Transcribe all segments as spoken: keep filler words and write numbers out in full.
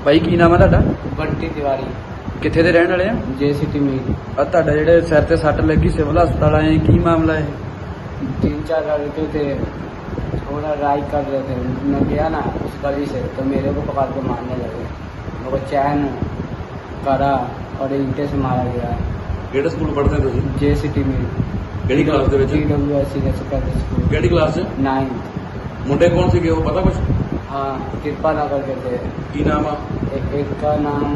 भाई की नाम है ਤੁਹਾਡਾ? बंटी तिवारी ਕਿੱਥੇ ਦੇ ਰਹਿਣ ਵਾਲੇ ਆ? जे सिटी मील ਆ ਤੁਹਾਡਾ ਜਿਹੜੇ ਸਿਰ ਤੇ ਸੱਟ ਲੱਗੀ ਸਿਵਲ ਹਸਪਤਾਲ ਆਏ ਕੀ ਮਾਮਲਾ है? तीन चार लड़के थे, थोड़ा राइड कर रहे थे। मैं गया ना उस गली से तो मेरे को पकड़ के मारने लगे। मेरे को चैन करा और ईंटे से मारा गया। ਕਿਹੜੇ ਸਕੂਲ ਪੜ੍ਹਦੇ ਤੁਸੀਂ? जे सिटी मील ਕਿਹੜੀ ਕਲਾਸ ਦੇ ਵਿੱਚ? D W S C school ਕਿਹੜੀ ਕਲਾਸ 'ਚ? नाइन्थ। ਮੁੰਡੇ ਕੌਣ ਸੀਗੇ ਉਹ ਪਤਾ ਕੁਛ? हाँ, कृपा नगर के थे। ਕੀ ਨਾਮ ਆ? एक, एक का नाम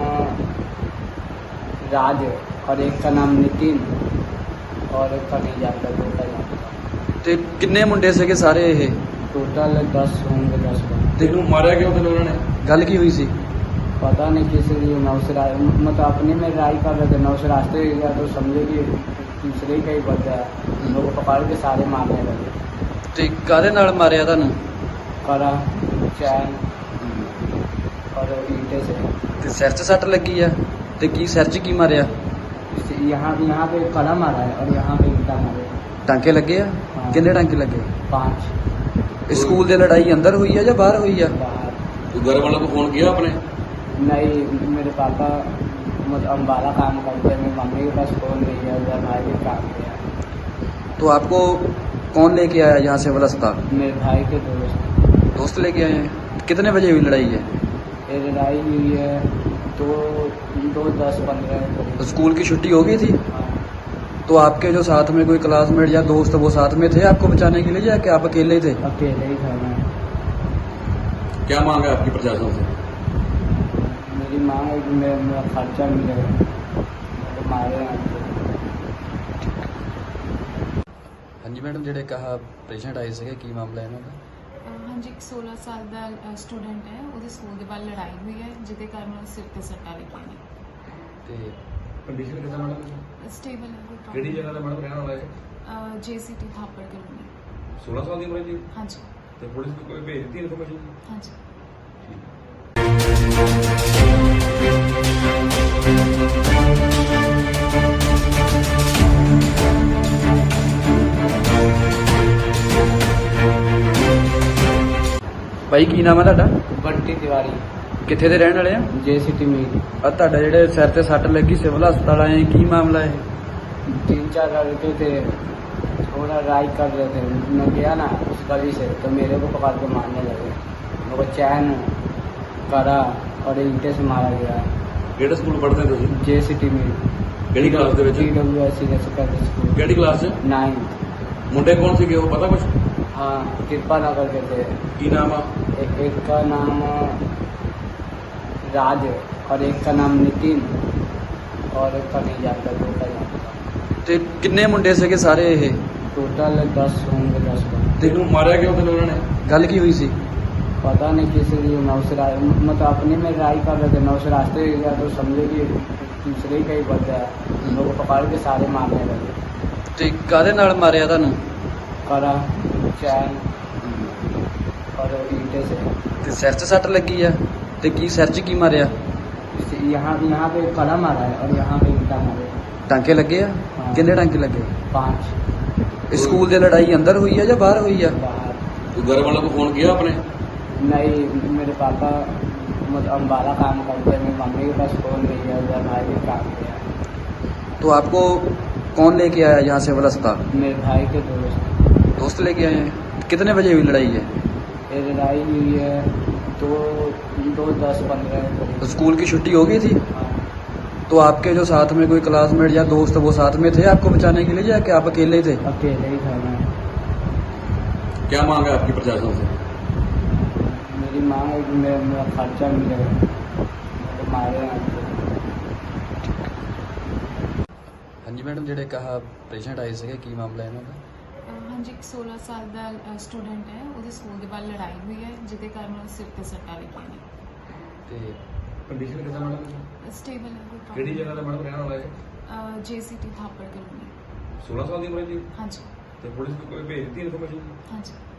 राज और एक का नाम नितिन और एक का नहीं जानता, दो का जानता। ਤੇ ਕਿੰਨੇ ਮੁੰਡੇ ਸੀਗੇ ਸਾਰੇ ਇਹ? टोटल दस होंगे, दस लोग। ਤੇ ਇਹਨੂੰ ਮਾਰਿਆ ਕਿਉਂ ਫਿਰ ਉਹਨਾਂ ਨੇ? ਗੱਲ ਕੀ ਹੋਈ ਸੀ? पता नहीं किस लिए नौ से रा- मतलब अपने में राय कर रहे थे। नौ से रास्ते गया तो समझे कि तीसरे का ही बचा है। लोग को पकड़ के सारे मारने लगे। ਤੇ ਕਾਹਦੇ ਨਾਲ ਮਾਰਿਆ ਤੁਹਾਨੂੰ? करा चैन और ईंटे से। ਤੇ ਸਿਰ 'ਚ ਸੱਟ ਲੱਗੀ ਆ ਤੇ ਕੀ ਸਿਰ 'ਚ ਕੀ ਮਾਰਿਆ? इससे यहाँ यहाँ पे कड़ा मारा है और यहाँ पे ईंटा मारे। ਟਾਂਕੇ ਲੱਗੇ ਆ? हाँ। ਕਿੰਨੇ ਟਾਂਕੇ ਲੱਗੇ? पाँच। ਇਹ ਸਕੂਲ ਦੇ ਲੜਾਈ ਅੰਦਰ ਹੋਈ ਆ ਜਾਂ ਬਾਹਰ ਹੋਈ ਆ? बाहर ਤੂੰ ਘਰ ਵਾलों को फोन किया अपने? नहीं, मेरे पापा मतलब अम्बाला काम करते हैं। मेरी मम्मी के पास फ़ोन नहीं है, उधर भाई भी काम किया। तो आपको कौन लेके आया यहाँ से वाला अस्पताल? मेरे भाई के दोस्त दोस्त लेके आए हैं? कितने बजे हुई लड़ाई है? ये लड़ाई हुई है तो दो दस पंद्रह। तो स्कूल की छुट्टी हो गई थी? हाँ। तो आपके जो साथ में कोई क्लासमेट या दोस्त वो साथ में थे आपको बचाने के लिए या कि आप अकेले थे? अकेले ही था मैं। क्या मांग है आपकी प्रशासन से? मेरी मांग है कि मेरा मेरा खर्चा मिले, तो मारे हैं। हाँ जी मैडम, जेडे कहा पेशेंट आए थे की मामला है इन्हों हाँ जी, एक सोलह साल का स्टूडेंट है, वो स्कूल के बाद लड़ाई हुई है जिसके कारण उसने सिर पर सट्टा लगी ने। कंडीशन कितना मैडम? स्टेबल है, कोई केड़ी प्रॉब्लम जगह दा मैडम रहने वाला है? नहीं। J C T Thapar colony. सोलह साल की उम्र थी हाँ जी, तो पुलिस को कोई भेज दी इन्फॉर्मेशन? हाँ जी। भाई की नाम है ਤੁਹਾਡਾ? बंटी तिवारी ਕਿੱਥੇ ਦੇ ਰਹਿਣ ਵਾਲੇ ਆ? जे सिटी मील ਆ ਤੁਹਾਡਾ ਜਿਹੜੇ ਸਿਰ ਤੇ ਸੱਟ ਲੱਗੀ ਸਿਵਲ ਹਸਪਤਾਲ ਆਏ ਕੀ ਮਾਮਲਾ है? तीन चार लड़के थे, थोड़ा राइड कर रहे थे। मैं गया ना उस गली से तो मेरे को पकड़ के मारने लगे। मेरे को चैन करा और ईंटे से मारा गया। ਕਿਹੜੇ ਸਕੂਲ ਪੜ੍ਹਦੇ ਤੁਸੀਂ? जे सिटी मील ਕਿਹੜੀ ਕਲਾਸ ਦੇ ਵਿੱਚ? D W S C school ਕਿਹੜੀ ਕਲਾਸ 'ਚ? नाइन्थ। ਮੁੰਡੇ ਕੌਣ ਸੀਗੇ ਉਹ ਪਤਾ ਕੁਛ? हाँ, कृपा नगर के थे। ਕੀ ਨਾਮ ਆ? एक, एक का नाम राज और एक का नाम नितिन और एक का नहीं जानता, दो का जानता। ਤੇ ਕਿੰਨੇ ਮੁੰਡੇ ਸੀਗੇ ਸਾਰੇ ਇਹ? टोटल दस होंगे, दस लोग। ਤੇ ਇਹਨੂੰ ਮਾਰਿਆ ਕਿਉਂ ਫਿਰ ਉਹਨਾਂ ਨੇ? ਗੱਲ ਕੀ ਹੋਈ ਸੀ? पता नहीं किस लिए नौ से रा- मतलब अपने में राय कर रहे थे। नौ से रास्ते गया तो समझे कि तीसरे का ही बचा है। लोग को पकड़ के सारे मारने लगे। ਤੇ ਕਾਹਦੇ ਨਾਲ ਮਾਰਿਆ ਤੁਹਾਨੂੰ? करा चैन और ईंटे से। ਤੇ ਸਿਰ 'ਚ ਸੱਟ ਲੱਗੀ ਆ ਤੇ ਕੀ ਸਿਰ 'ਚ ਕੀ ਮਾਰਿਆ? इससे यहाँ यहाँ पे कड़ा मारा है और यहाँ पे ईंटा मारे। ਟਾਂਕੇ ਲੱਗੇ ਆ? हाँ। ਕਿੰਨੇ ਟਾਂਕੇ ਲੱਗੇ? पाँच। ਇਹ ਸਕੂਲ ਦੇ ਲੜਾਈ ਅੰਦਰ ਹੋਈ ਆ ਜਾਂ ਬਾਹਰ ਹੋਈ ਆ? बाहर ਤੂੰ ਘਰ ਵਾलों को फोन किया अपने? नहीं, मेरे पापा मतलब अम्बाला काम करते हैं। मेरी मम्मी के पास फ़ोन नहीं है, उधर भाई भी काम किया। तो आपको कौन लेके आया यहाँ से वाला अस्पताल? मेरे भाई के दोस्त दोस्त लेके आए हैं? कितने बजे हुई लड़ाई है? ये लड़ाई हुई है तो दो दस पंद्रह। तो स्कूल की छुट्टी हो गई थी? हाँ। तो आपके जो साथ में कोई क्लासमेट या दोस्त वो साथ में थे आपको बचाने के लिए या कि आप अकेले थे? अकेले ही था मैं। क्या मांग है आपकी प्रशासन से? मेरी मांग है कि मेरा मेरा खर्चा मिले, तो मारे हैं। हाँ जी मैडम, जेडे कहा पेशेंट आए थे की मामला है इन्हों हाँ जी, एक सोलह साल का स्टूडेंट है, वो स्कूल के बाद लड़ाई हुई है जिसके कारण उसने सिर पर सट्टा लगी ने। कंडीशन कितना मैडम? स्टेबल है, कोई केड़ी प्रॉब्लम जगह दा मैडम रहने वाला है? नहीं। J C T Thapar colony. सोलह साल की उम्र थी हाँ जी, तो पुलिस को कोई भेज दी इन्फॉर्मेशन? हाँ जी।